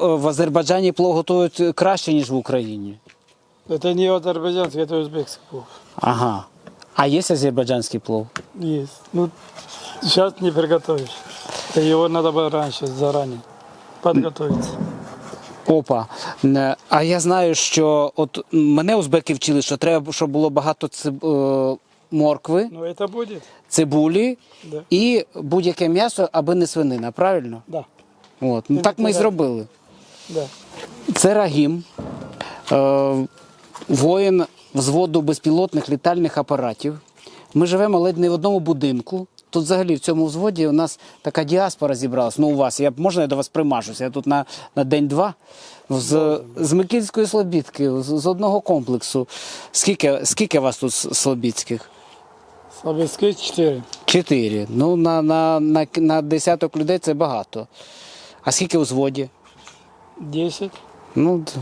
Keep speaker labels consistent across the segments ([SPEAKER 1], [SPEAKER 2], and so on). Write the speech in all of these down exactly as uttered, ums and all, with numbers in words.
[SPEAKER 1] в Азербайджані плов готують краще, ніж в Україні?
[SPEAKER 2] Это не азербайджанский, это узбекский плов.
[SPEAKER 1] Ага. А є азербайджанський плов?
[SPEAKER 2] Есть. Ну, сейчас не приготовишь. Его надо было раньше, заранее подготовиться.
[SPEAKER 1] Опа. Не, А я знаю, що от мене узбеки вчили, що треба, щоб було багато циб... е, моркви,
[SPEAKER 2] Ну, это будет?
[SPEAKER 1] цибулі
[SPEAKER 2] Да.
[SPEAKER 1] і будь-яке м'ясо, аби не свинина, правильно?
[SPEAKER 2] Да.
[SPEAKER 1] От. Ну, так ми і
[SPEAKER 2] Да.
[SPEAKER 1] зробили.
[SPEAKER 2] Да.
[SPEAKER 1] Це Рагім, е, воїн взводу безпілотних літальних апаратів. Ми живемо ледь не в одному будинку. Тут взагалі в цьому взводі у нас така діаспора зібралась. Ну у вас, я, можна я до вас примажуся? Я тут на, на день-два з, з Микільської Слобідки, з, з одного комплексу. Скільки, скільки вас тут слобідських?
[SPEAKER 2] Слободской четыре.
[SPEAKER 1] Чотири. Ну, на, на, на, на десяток людей це багато. А скільки у взводі?
[SPEAKER 2] Десять.
[SPEAKER 1] Ну, д-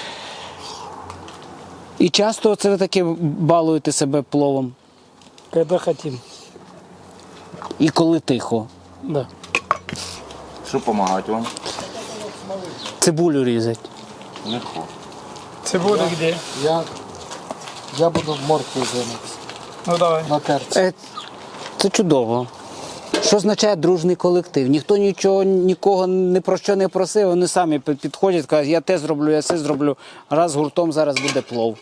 [SPEAKER 1] і часто це ви таки балуєте себе пловом?
[SPEAKER 2] Когда хотим.
[SPEAKER 1] І коли тихо?
[SPEAKER 2] Да.
[SPEAKER 3] Що допомагати вам?
[SPEAKER 1] Цибулю різать.
[SPEAKER 3] Легко.
[SPEAKER 2] Цибуля где?
[SPEAKER 4] Я, я буду морквою займатися
[SPEAKER 2] Ну, давай.
[SPEAKER 4] на терці.
[SPEAKER 1] Е, Це чудово. Що означає дружний колектив? Ніхто нічого, нікого ні про що не просив, вони самі пи- підходять, кажуть, я те зроблю, я це зроблю. Раз гуртом зараз буде плов.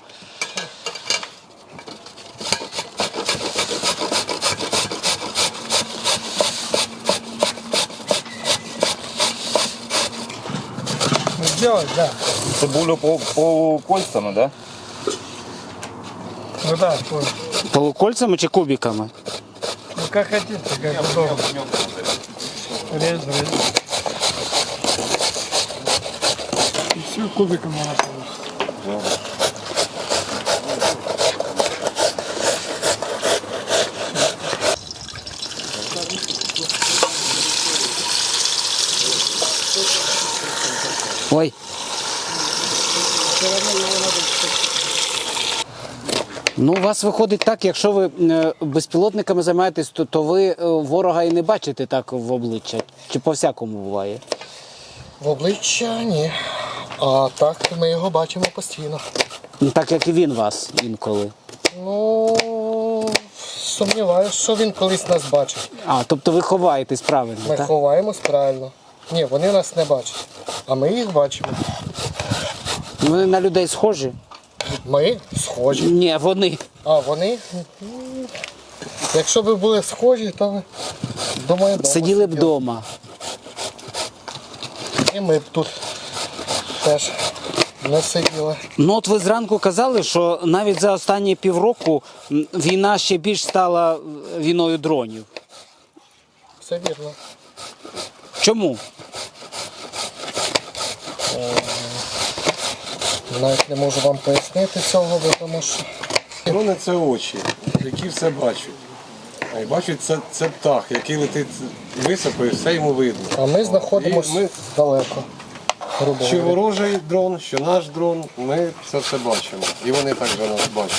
[SPEAKER 2] Ну, сделать, да.
[SPEAKER 3] Цибулю по, по кольцями, да?
[SPEAKER 2] Ну да, понял.
[SPEAKER 1] Полукольцями чи кубиками?
[SPEAKER 2] Ну как хотите, как удобно. Режь, режь. И все кубиком надо получить.
[SPEAKER 1] Ой. Ну, у вас виходить так, якщо ви е, безпілотниками займаєтесь, то, то ви е, ворога і не бачите так в обличчя. Чи по-всякому буває?
[SPEAKER 4] В обличчя ні. А так ми його бачимо постійно.
[SPEAKER 1] Ну, так як і він вас інколи.
[SPEAKER 4] Ну, сумніваюся, що він колись нас бачить.
[SPEAKER 1] А, тобто ви ховаєтесь правильно,
[SPEAKER 4] Ми
[SPEAKER 1] так?
[SPEAKER 4] ховаємось правильно. Ні, вони нас не бачать. А ми їх бачимо.
[SPEAKER 1] Вони на людей схожі?
[SPEAKER 4] Ми схожі.
[SPEAKER 1] Ні, вони.
[SPEAKER 4] А вони? М, Якщо б були схожі, то ви, думаю, вдома
[SPEAKER 1] Сиділи б вдома.
[SPEAKER 4] І ми б тут теж не сиділи.
[SPEAKER 1] Ну от ви зранку казали, що навіть за останні півроку м, війна ще більш стала е, війною дронів.
[SPEAKER 4] Все вірно.
[SPEAKER 1] Чому?
[SPEAKER 4] Навіть не можу вам пояснити цього, бо тому що
[SPEAKER 5] Дрони – це очі, які все бачать. А й бачать це, це птах, який летить високо і все йому видно.
[SPEAKER 4] а ми знаходимося
[SPEAKER 5] І ми-
[SPEAKER 4] далеко. Грубо
[SPEAKER 5] Що
[SPEAKER 4] говоря.
[SPEAKER 5] ворожий дрон, що наш дрон, ми це все бачимо. І вони також нас бачать.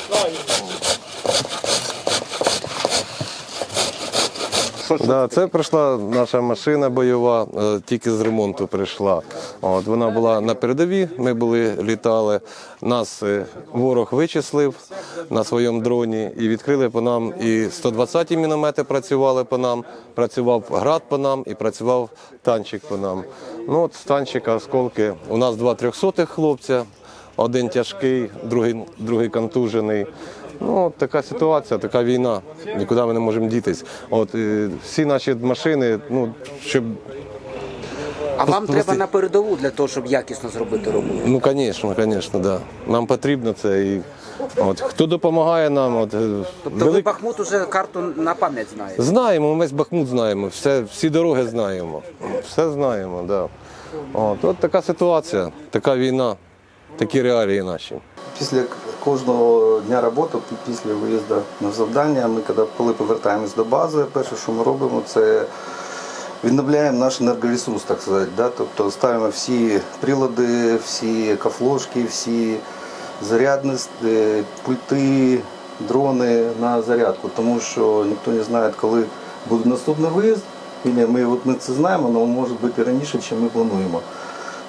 [SPEAKER 6] Да, це прийшла наша машина бойова, е, тільки з ремонту прийшла. От, вона була на передовій, ми були, літали. Нас е, ворог вичислив на своєму дроні і відкрили по нам. І сто двадцяті міномети працювали по нам, працював град по нам і працював танчик по нам. Ну, от з танчика осколки. У нас два трьохсотих хлопця, один тяжкий, другий, другий контужений. Ну, от така ситуація, така війна. Нікуди ми не можемо дітись. От е, всі наші машини, ну щоб
[SPEAKER 1] А вам
[SPEAKER 6] Просто-
[SPEAKER 1] треба на передову для того, щоб якісно зробити роботу.
[SPEAKER 6] ну, звісно, звісно, да. Нам потрібно це. І от хто допомагає нам, от е,
[SPEAKER 1] Тобто ви Бахмут уже карту на пам'ять знаєте?
[SPEAKER 6] знаємо, ми весь Бахмут знаємо, все, всі дороги знаємо, все знаємо, да. От, от така ситуація, така війна, такі реалії наші.
[SPEAKER 7] Після кожного дня роботи, після виїзду на завдання, ми коли, коли повертаємось до бази, перше, що ми робимо, це відновляємо наш енергоресурс, так сказати. Да? Тобто ставимо всі прилади, всі екофлошки, всі зарядні е, пульти, дрони на зарядку, тому що ніхто не знає, коли буде наступний виїзд. Ми, от ми це знаємо, але може бути раніше, ніж ми плануємо.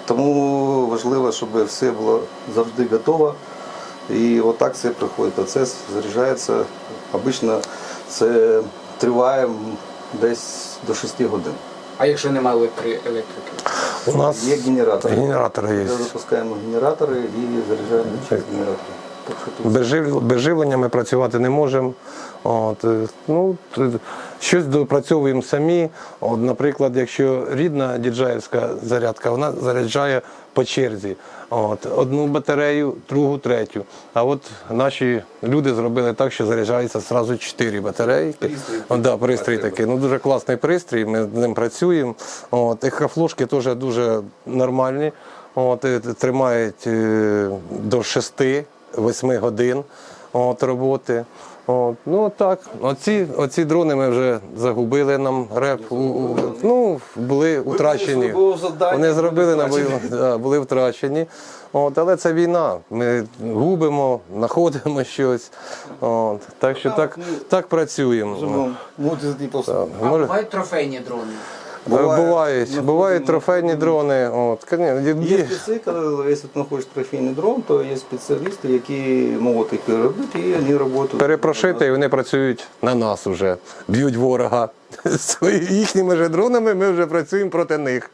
[SPEAKER 7] Тому важливо, щоб все було завжди готово. І отак все проходить. Процес заряджається. Обично це триває десь до шести годин.
[SPEAKER 1] А якщо немає електрики?
[SPEAKER 6] У нас
[SPEAKER 7] Є генератори.
[SPEAKER 6] генератори є.
[SPEAKER 7] Ми запускаємо генератори і заряджаємо через генератори. Так що тут
[SPEAKER 6] Без, жив... без живлення ми працювати не можемо. От, е, ну, т- щось допрацьовуємо самі. От, наприклад, якщо рідна діджаївська зарядка, вона заряджає по черзі. От, одну батарею, другу, третю. А от наші люди зробили так, що заряджається одразу чотири батареї. О, да, пристрій такий. Ну, дуже класний пристрій, ми з ним працюємо. От, ехофлошки теж дуже нормальні. От, е, тримають е, до шести-восьми годин от, роботи. От, ну так, оці, оці дрони ми вже загубили нам реп. У- у- Ну, були втрачені.
[SPEAKER 7] бойове завдання,
[SPEAKER 6] Вони зробили на
[SPEAKER 7] були
[SPEAKER 6] бою, да, були втрачені. От, але це війна. Ми губимо, знаходимо щось. От, так що так, так працюємо.
[SPEAKER 7] живемо. Мутизні просто.
[SPEAKER 6] Може-
[SPEAKER 1] бувають трофейні дрони?
[SPEAKER 6] Бувають, бувають, бувають трофейні дрони. От, конечно,
[SPEAKER 7] Є
[SPEAKER 6] є-
[SPEAKER 7] спеці, коли якщо ти знаходиш трофейний дрон, то є спеціалісти, які можуть їх переробити і вони працюють.
[SPEAKER 6] перепрошити, і вони працюють на нас вже, б'ють ворога. Свої- Їхніми же дронами ми вже працюємо проти них.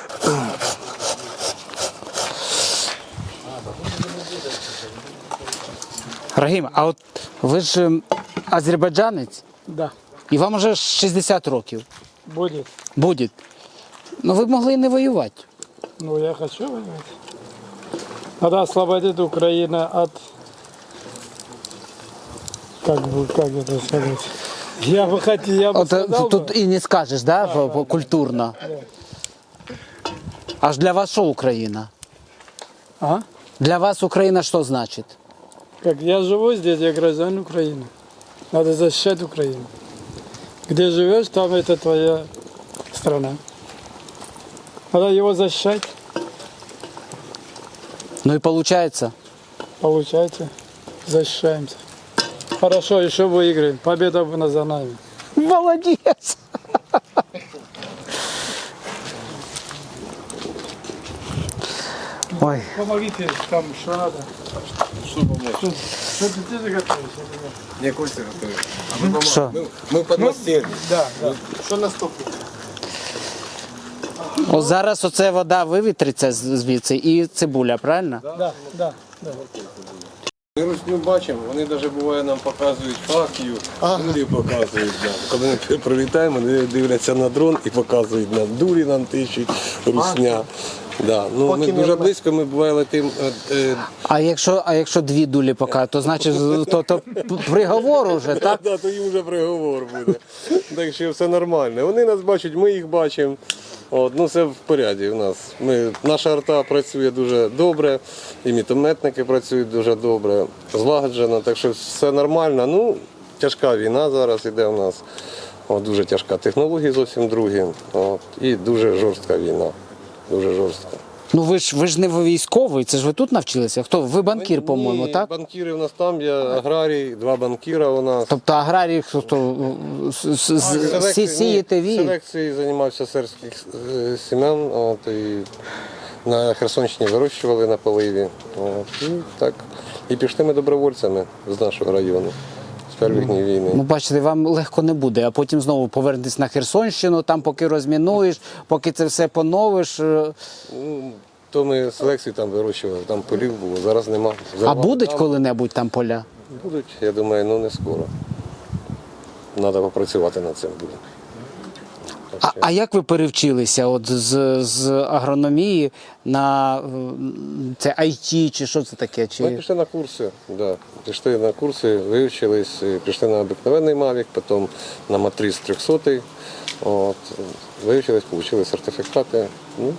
[SPEAKER 1] Рагім, а от ви ж ем, азербайджанець,
[SPEAKER 2] Да,
[SPEAKER 1] і вам вже шістдесят років.
[SPEAKER 2] будет.
[SPEAKER 1] Буде. Ну ви б могли і не воювати.
[SPEAKER 2] Ну, я хочу воевать. Надо освободить Украину от... Как бы, как это сказать? Я бы хотел, я бы
[SPEAKER 1] От е,
[SPEAKER 2] сказал
[SPEAKER 1] тут
[SPEAKER 2] бы,
[SPEAKER 1] і не скажеш, да, по- по- культурно. Аж для вас що Україна?
[SPEAKER 2] а?
[SPEAKER 1] Для вас Україна що значить?
[SPEAKER 2] Как я живу здесь, я гражданин Украины. Надо защищать Украину. Где живешь, там это твоя страна. Надо его защищать.
[SPEAKER 1] Ну і виходить,
[SPEAKER 2] Получается, защищаемся. Хорошо, еще выиграем. Победа на за нами.
[SPEAKER 1] молодець. Ой,
[SPEAKER 2] Помогите там, что надо. Что помочь? Что ты, ты заготовишь?
[SPEAKER 5] Не Костя готовий.
[SPEAKER 1] що?
[SPEAKER 5] Ми подмастерні.
[SPEAKER 2] Да, да.
[SPEAKER 4] Що наступне?
[SPEAKER 1] О, зараз оце вода вивітриться з- звідси і цибуля, правильно?
[SPEAKER 2] Да, да, да.
[SPEAKER 6] Ми русню бачимо, вони навіть буває нам показують факію, дулі показують нам. Коли ми прилітаємо, вони дивляться на дрон і показують нам. Дулі нам тичуть, русня. Да. Ну, ми дуже близько, ми буває летимо. е, е,
[SPEAKER 1] А якщо, а якщо дві дулі покажуть, то значить з- то, то приговор уже, так?
[SPEAKER 6] Да, то їм вже приговор буде. Так що все нормально. Вони нас бачать, ми їх бачимо. От, ну все в поряді у нас. Ми, наша арта працює дуже добре, і мітометники працюють дуже добре, злагоджено, так що все нормально. Ну, тяжка війна зараз іде у нас. От, дуже тяжка технологія зовсім другі. От, і дуже жорстка війна. Дуже жорстка.
[SPEAKER 1] Ну ви ж ви ж не військовий, це ж ви тут навчилися? Хто? Ви банкір, по-моєму,
[SPEAKER 6] Ні,
[SPEAKER 1] так?
[SPEAKER 6] банкіри у нас там, є аграрій, два банкіра у нас.
[SPEAKER 1] Тобто аграрії, хто з- з- з- сі- сієте вій?
[SPEAKER 6] Селекцією займався сербських е, сім'ян. От, і на Херсонщині вирощували на поливі. От, і так. І пішли ми добровольцями з нашого району, з перших днів війни.
[SPEAKER 1] Ну, бачите, вам легко не буде, а потім знову повернетесь на Херсонщину, там поки розмінуєш, поки це все поновиш. е,
[SPEAKER 6] Ну, то ми селекцію там вирощували, там полів було, зараз нема.
[SPEAKER 1] А
[SPEAKER 6] Зарвали
[SPEAKER 1] будуть
[SPEAKER 6] там.
[SPEAKER 1] коли-небудь там поля?
[SPEAKER 6] Будуть, я думаю, ну не скоро. Треба попрацювати над цим буде.
[SPEAKER 1] А, а як ви перевчилися от з, з агрономії на е, це ай ті чи що це таке?
[SPEAKER 6] Ми
[SPEAKER 1] Чи...
[SPEAKER 6] пішли на курси, да. Пішли на курси, вивчились, пішли на обикновенний Mavic, потім на Матріс триста. От, вивчились, отримали сертифікати. Ну,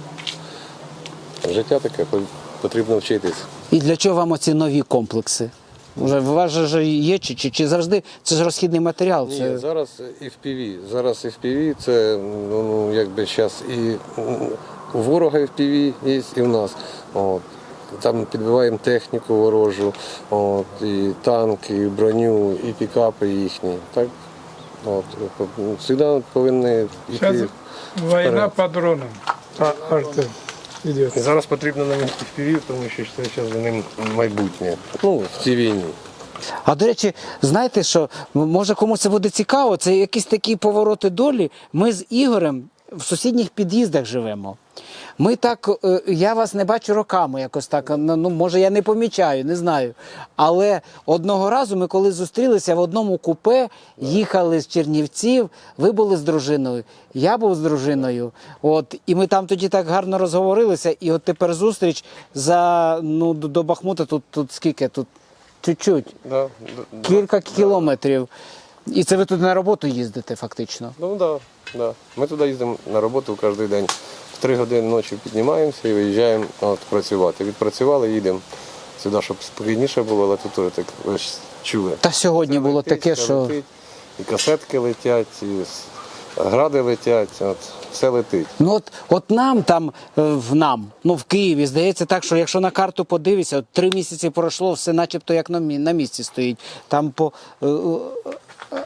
[SPEAKER 6] життя таке, потрібно вчитись.
[SPEAKER 1] І для чого вам оці нові комплекси? Уже у вас же ж є чи, чи, чи завжди це ж розхідний матеріал?
[SPEAKER 6] Ні,
[SPEAKER 1] Це...
[SPEAKER 6] зараз еф пі ві. Зараз еф пі ві це ну, ну, якби зараз і у ворога еф пі ві є, і в нас. От. Там підбиваємо техніку ворожу, от, і танки, і броню, і пікапи їхні. Так? От. Завжди повинні
[SPEAKER 2] Сейчас
[SPEAKER 6] йти.
[SPEAKER 2] война по дронам, по арте. идет.
[SPEAKER 6] І зараз потрібно нам еф пі ві, тому що це зараз за ним майбутнє. Ну, в цій війні.
[SPEAKER 1] А до речі, знаєте що, м- може комусь це буде цікаво, це якісь такі повороти долі. Ми з Ігорем в сусідніх під'їздах живемо. Ми так, е, я вас не бачу роками якось так, ну ну, може я не помічаю, не знаю. Але одного разу ми коли зустрілися в одному купе, їхали з Чернівців, ви були з дружиною, я був з дружиною. От, і ми там тоді так гарно розговорилися, і от тепер зустріч за, ну, до до Бахмута, тут, тут скільки, тут чуть-чуть.
[SPEAKER 6] Да, да,
[SPEAKER 1] Кілька кілометрів. І це ви туди на роботу їздите фактично.
[SPEAKER 6] ну да, да. Ми туди їздимо на роботу кожен день. В три години ночі піднімаємося і виїжджаємо от, працювати. Відпрацювали, їдемо сюди, щоб спокійніше було, але тут теж так ви ж чули.
[SPEAKER 1] Та сьогодні
[SPEAKER 6] Це
[SPEAKER 1] було
[SPEAKER 6] летить,
[SPEAKER 1] таке,
[SPEAKER 6] це
[SPEAKER 1] що
[SPEAKER 6] летить, і касетки летять, і с- гради летять, от, все летить.
[SPEAKER 1] ну от, от нам там е, в нам, ну в Києві, здається так, що якщо на карту подивишся, от три місяці пройшло, все начебто як на, мі- на місці стоїть. Там по е, е, е,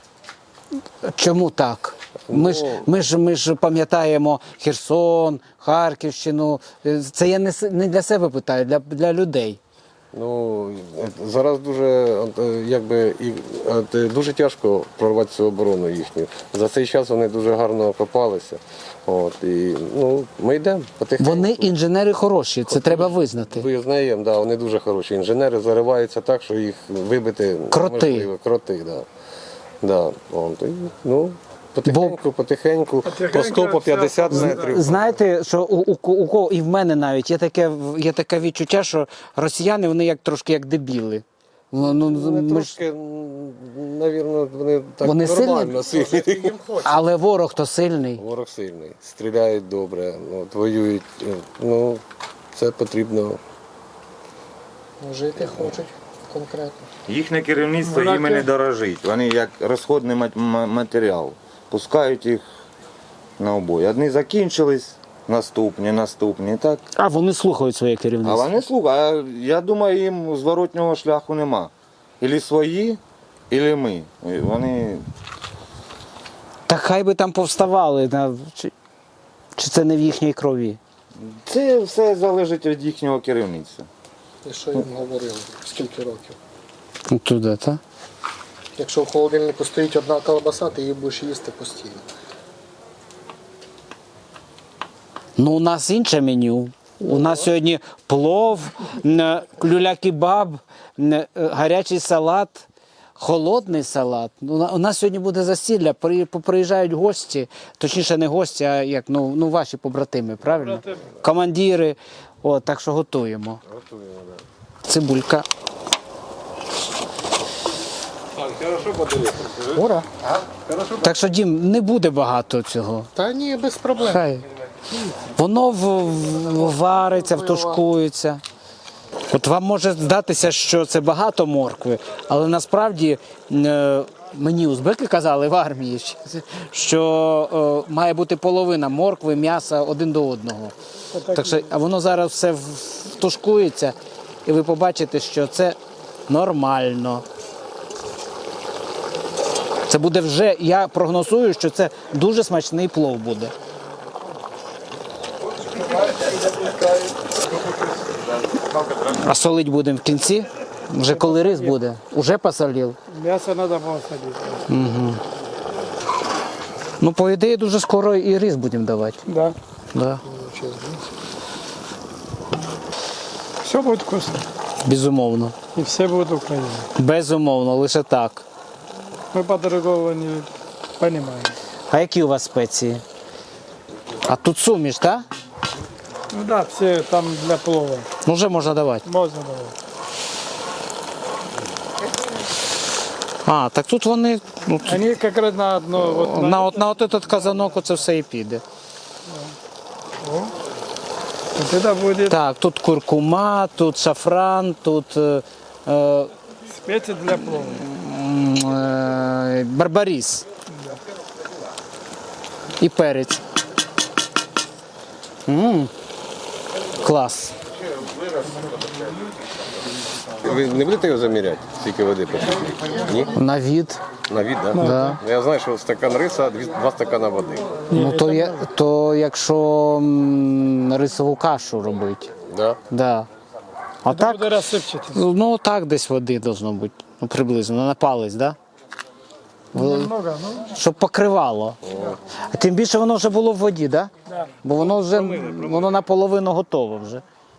[SPEAKER 1] чому так? Ми ж ми ж ми ж пам'ятаємо Херсон, Харківщину. Е, Це я не, с- не для себе питаю, для, для людей.
[SPEAKER 6] Ну, е, зараз дуже, от, е, якби, і, от, е, дуже тяжко прорвати цю оборону їхню. За цей час вони дуже гарно окопалися. От, і, ну, ми йдемо потихеньку.
[SPEAKER 1] Вони інженери хороші, це треба визнати.
[SPEAKER 6] Визнаємо, да, вони дуже хороші. Інженери зариваються так, що їх вибити
[SPEAKER 1] Кроти.
[SPEAKER 6] неможливо. Кроти, да. Да, от, і, ну, потихеньку, потихеньку, по сто, по п'ятдесят метрів.
[SPEAKER 1] Знаєте, що у, у, у кого і в мене навіть є таке, є таке відчуття, що росіяни вони як трошки як дебіли. Ну, ну,
[SPEAKER 6] Вони
[SPEAKER 1] ми ж-
[SPEAKER 6] трошки, навірно, вони так
[SPEAKER 1] Вони
[SPEAKER 6] нормально сильні.
[SPEAKER 1] Але ворог то сильний.
[SPEAKER 6] Ворог сильний, стріляють добре, от, воюють. е, Ну, це потрібно.
[SPEAKER 4] Жити хочуть конкретно.
[SPEAKER 3] Їхнє керівництво
[SPEAKER 2] Вона
[SPEAKER 3] їм не
[SPEAKER 2] те-
[SPEAKER 3] дорожить. Вони як розходний мат- м- матеріал. Пускають їх на обої. Одні закінчились, наступні, наступні. Так.
[SPEAKER 1] А вони слухають своє
[SPEAKER 3] А
[SPEAKER 1] керівництво.
[SPEAKER 3] вони слухають. А я думаю, їм зворотнього шляху нема. Ілі свої, ілі ми. І вони
[SPEAKER 1] Та хай би там повставали. на- Чи, чи це не в їхній крові?
[SPEAKER 3] це все залежить від їхнього керівництва.
[SPEAKER 4] І що їм говорили? Скільки років?
[SPEAKER 1] Ну, туди, так?
[SPEAKER 4] Якщо в холодильнику стоїть одна колбаса, ти її будеш їсти постійно.
[SPEAKER 1] Ну, у нас інше меню. У нас сьогодні плов, н- люля-кебаб, н- гарячий салат, холодний салат. У на- У нас сьогодні буде засілля, при- приїжджають гості, точніше не гості, а як, ну, ну ваші побратими, правильно?
[SPEAKER 2] Побратими.
[SPEAKER 1] Командири. О, так що готуємо. Готуємо, так. Цибулька.
[SPEAKER 4] Ура!
[SPEAKER 1] Так що, Дім, не буде багато цього.
[SPEAKER 4] Та ні, без проблем.
[SPEAKER 1] Хай. Воно в, в- вариться, втушкується. От вам може здатися, що це багато моркви, але насправді е, мені узбеки казали в армії, що е, має бути половина моркви, м'яса один до одного. Так що, а воно зараз все в- втушкується, і ви побачите, що це нормально. Це буде вже, я прогнозую, що це дуже смачний плов буде. А солить будемо в кінці? Вже коли рис буде? Уже посолив?
[SPEAKER 2] Мясо надо посадить.
[SPEAKER 1] Ну, по ідеї, дуже скоро і рис будемо давати.
[SPEAKER 2] Да.
[SPEAKER 1] Да.
[SPEAKER 2] Все будет вкусно.
[SPEAKER 1] Безумовно.
[SPEAKER 2] И все будут Украина.
[SPEAKER 1] Безумовно, лише так.
[SPEAKER 2] Мы по-другому не понимаем.
[SPEAKER 1] А які у вас спеції? А тут суміш, так?
[SPEAKER 2] Ну да, все там для плова.
[SPEAKER 1] Ну, вже можна давати.
[SPEAKER 2] Можно давать.
[SPEAKER 1] А, так тут вони ну, тут,
[SPEAKER 2] Они как раз на одно, вот на,
[SPEAKER 1] на, от, на от этот казанок оце все і піде.
[SPEAKER 2] вот это будет
[SPEAKER 1] Так, тут куркума, тут шафран, тут е, е,
[SPEAKER 2] специи для плова.
[SPEAKER 1] м, е, барбаріс. І перець. М, клас.
[SPEAKER 6] Ви не будете його заміряти, скільки води потрібно? Ні?
[SPEAKER 1] На від.
[SPEAKER 6] На від, так?
[SPEAKER 1] Да.
[SPEAKER 6] Я знаю, що стакан риса, дві- два стакана води.
[SPEAKER 1] Ну то, я, то якщо м, рисову кашу робити.
[SPEAKER 6] Да?
[SPEAKER 1] Да. А так,
[SPEAKER 2] Буде розсипчатись.
[SPEAKER 1] ну так десь води должно бути. Ну, приблизно, на палець, да?
[SPEAKER 2] Немного, ну,
[SPEAKER 1] Щоб покривало. А тим більше воно вже було в воді, да?
[SPEAKER 2] да.
[SPEAKER 1] Бо воно вже воно наполовину готове вже.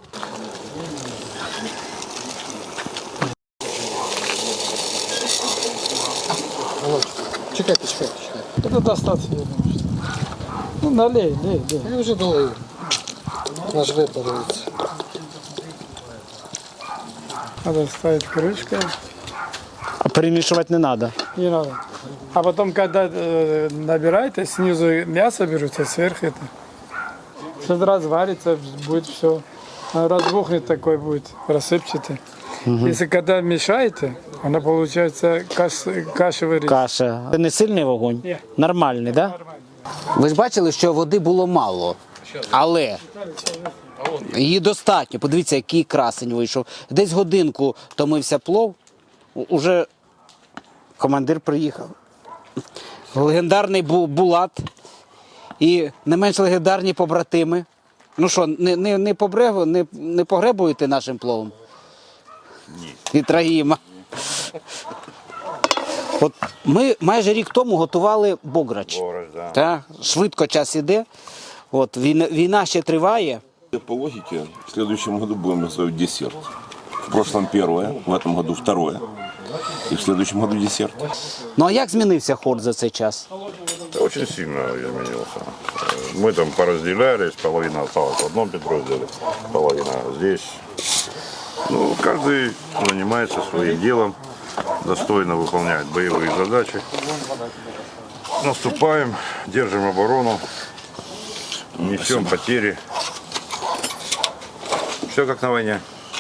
[SPEAKER 4] Чекайте, чекайте, чекайте.
[SPEAKER 2] Это достаточно, я думаю. Что... Ну, налей, лей, лей.
[SPEAKER 4] Я вже долив. Наш випарується.
[SPEAKER 2] Надо ставить крышкой.
[SPEAKER 1] А перемішувати не треба.
[SPEAKER 2] Не надо. А потом, когда э, набираете, снизу мясо берете, сверху это. Сейчас разварится, будет все. Разбухнет такой будет, рассыпчатый. Если когда мешаете, она получается каш, кашевый рис.
[SPEAKER 1] Каша. Це не сильний вогонь?
[SPEAKER 2] Ні.
[SPEAKER 1] Нормальний, так? Да? Ви ж бачили, що води було мало. Але її достатньо. Подивіться, який красень вийшов. Десь годинку томився плов, у- уже командир приїхав. Легендарний Бу- Булат і не менш легендарні побратими. Ну що, не, не, не, побрегу, не, не погребуєте нашим пловом? Ні. Від Рагіма. От ми майже рік тому готували бограч.
[SPEAKER 8] Бограч, да.
[SPEAKER 1] Так, швидко час іде. От, війна, війна ще триває.
[SPEAKER 8] По логике, в следующем году будем готовить десерт. В прошлом первое, в этом году второе. И в следующем году десерт.
[SPEAKER 1] Ну а як змінився хор за цей час?
[SPEAKER 9] Да, очень сильно изменился. Мы там поразделялись, половина осталась в одном подразделе, половина здесь. Ну, каждый занимается своим делом, достойно выполняет боевые задачи. Наступаем, держим оборону, несем потери. Все как на войне.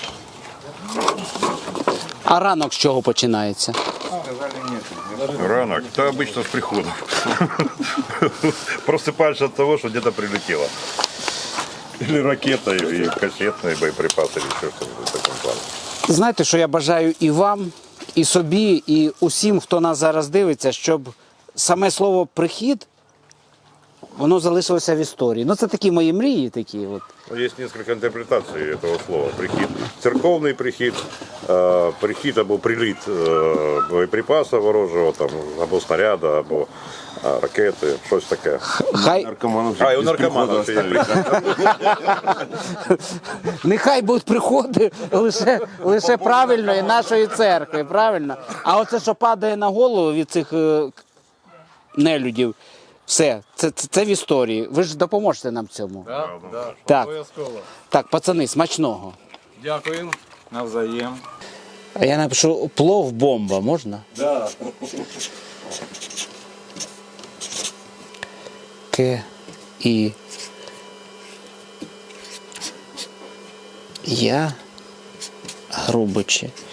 [SPEAKER 1] А ранок з чого починається?
[SPEAKER 9] Ранок, да обычно с приходом. Просыпаешься от того, что где-то прилетело. Или ракета, или кассетные боеприпасы, или еще что-то в таком плане.
[SPEAKER 1] Знаєте, що я бажаю і вам, і собі, і усім, хто нас зараз дивиться, щоб саме слово «прихід» воно залишилося в історії. Ну це такі мої мрії, такі от.
[SPEAKER 9] Есть несколько интерпретаций этого слова. Прихід. Церковный прихід, э, прихід або приліт э, боєприпаса ворожого, там, або снаряда, або э, ракети, щось таке.
[SPEAKER 1] Хай,
[SPEAKER 8] Наркоманов
[SPEAKER 9] А, і у
[SPEAKER 8] без
[SPEAKER 9] наркоманів
[SPEAKER 8] прихода
[SPEAKER 9] ще є
[SPEAKER 8] оставили.
[SPEAKER 1] нехай будуть приходи лише, лише правильної нашої церкви, правильно? А оце, що падає на голову від цих е, нелюдів, все, це, це, це в історії. Ви ж допоможете нам в цьому.
[SPEAKER 6] Да, да,
[SPEAKER 1] Так.
[SPEAKER 6] обов'язково.
[SPEAKER 1] Так, пацани, смачного.
[SPEAKER 6] Дякую.
[SPEAKER 5] Навзаєм.
[SPEAKER 1] А я напишу плов бомба, можна?
[SPEAKER 5] Да.
[SPEAKER 1] К і я грубичі.